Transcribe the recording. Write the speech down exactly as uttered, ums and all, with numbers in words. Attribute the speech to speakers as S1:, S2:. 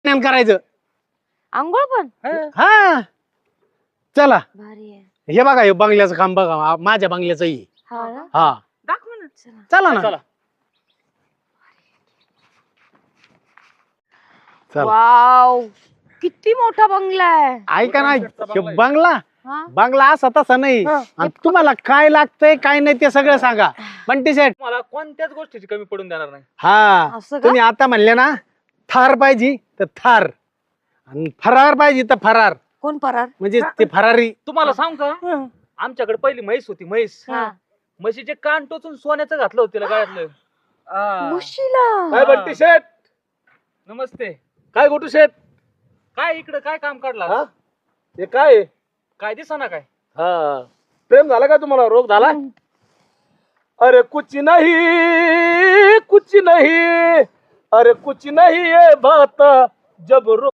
S1: स्नान करायचं.
S2: आंघोळ पण
S1: हा चला
S2: भारी आहे.
S1: हे बघा हे बंगल्याचं काम बघा आ- माझ्या बंगल्याचं ही.
S2: हा ना?
S1: हा
S3: दाखव ना.
S2: चला.
S1: चला ना
S3: चला.
S1: चला
S2: वाव किती मोठा बंगला आहे.
S1: ऐका ना हे बंगला
S2: हा?
S1: बंगला असा तसा नाही
S2: हा.
S1: आणि तुम्हाला काय लागतंय काय नाही ते सगळं सांगा बंटी सेठ.
S3: मला कोणत्याच गोष्टीची कमी पडून देणार नाही.
S1: हा
S2: असं का?
S1: तुम्ही आता म्हणले ना थार पाहिजे तर थार आणि फरार पाहिजे तर फरार
S2: कोण परार?
S1: म्हणजे ते फरारी.
S3: तुम्हाला सांग का आमच्याकडे पहिली म्हैस होती म्हैस.
S2: हा.
S3: म्हशीचे कान टोचून सोन्याचं घातलं होतं तिला गळ्यातलं. आ.
S2: मुशीला
S1: काय बंटी शेठ
S3: नमस्ते.
S1: काय गोटू शेठ
S3: काय इकडे काय काम काढला
S1: हा? हे काय
S3: काय दिसा काय
S1: हा प्रेम झाला का तुम्हाला रोग झाला अरे कुछ नहीं कुछ नहीं अरे कुछ नहीं ये बात जब रो